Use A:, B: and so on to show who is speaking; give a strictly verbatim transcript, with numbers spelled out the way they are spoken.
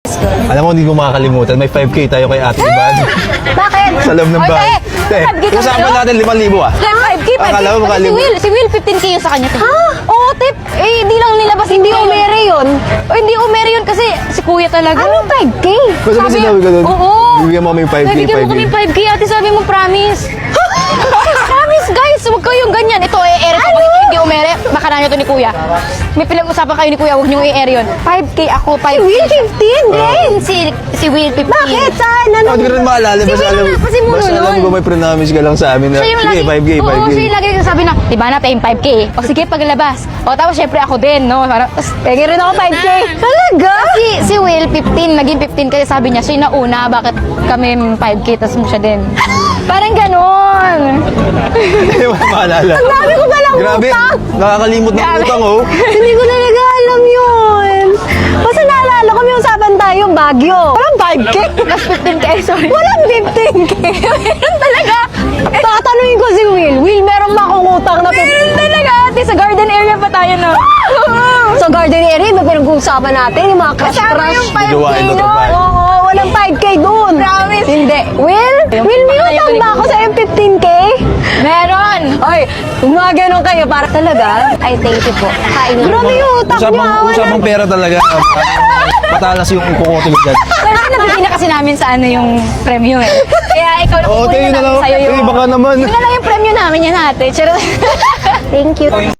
A: Alam mo, hindi ko makakalimutan. May five K tayo kay Ate Iban.
B: Bakit?
A: Sa loob ng
B: Oy,
A: bahay.
B: te,
A: Te,
B: five K ka
A: usapan
B: sa'yo?
A: natin limang libo ah.
B: five K, five K.
A: Akala mo
B: Kasi si
A: makalimutan.
B: Will, si Will fifteen K yun sa kanya. Ha? Oo, tip. Eh, hindi lang nilabas. Hindi umere yun. O, hindi umere yun kasi si kuya talaga. Ano five K?
A: Basta ba sinabi ko doon?
B: Oo.
A: Bibigyan mo kami yung five K,
B: Bibigyan mo
A: five K.
B: kami five K. Ate, sabi mo promise. Promise, guys. Huwag kayong ganyan. Ito, i-air ito. Kung hindi umere, baka na nyo to ni kuya. May pinag-usapan kayo ni kuya. Huwag nyo i-air yun. five K ako, five K. Si Will, fifteen din. Si, si Will, fifteen. Bakit? Saan? Ano?
A: Oh, hindi ko rin maalala.
B: Si
A: Basta
B: Will
A: alam,
B: na, kasi mo
A: basta alam
B: nun.
A: ko may promise ka lang sa amin na,
B: Siya yung
A: sige,
B: lagi,
A: five K, five K.
B: Oo, siya yung lagi nagsasabi na, di ba na, paying five K. O sige, paglabas. O tapos syempre ako din, no? Parang, tas, penge rin ako five K. Talaga? Si, si Will, fifteen, naging fifteen kasi sabi niya, siya yung nauna, bakit kami five K, tas mo siya din. Parang ganon.
A: Hindi mo maalala.
B: Ang dami ko palang
A: Grabe,
B: utang.
A: nakakalimot ng
B: Grabe.
A: utang oh.
B: Hindi ko talaga alam yun. Basta naalala ko, may usapan tayo, Baguio. Walang five K. Mas fifteen K, sorry. Walang fifteen K. Meron talaga. Tatanungin ko si Will. Will, meron ba akong utang na fifteen K? Meron talaga. Ate, sa garden area pa tayo, no? Sa garden area, may pinag-uusapan natin, yung mga crush-crush.
A: five K Binuwain mo to,
B: nun.
A: five.
B: Oo, walang five K doon. Promise. Hindi. Will, Will, may utang ba ako sa fifteen K? Meron. Oy, mga ganun kayo para talaga. Ay, thank you po. Kain mo. Grabe yung utang niyo.
A: Usapang,
B: ah, wala.
A: usapang pera talaga. Matalas yung kukoto mo dyan.
B: Kasi nabigyan na kasi namin sa ano yung premyo eh. Kaya ikaw na
A: Oo,
B: kukunin
A: tayo na
B: namin
A: lang.
B: sa'yo yung...
A: Eh, baka naman.
B: Yun na lang yung premyo namin yan ate. Charot. Thank you.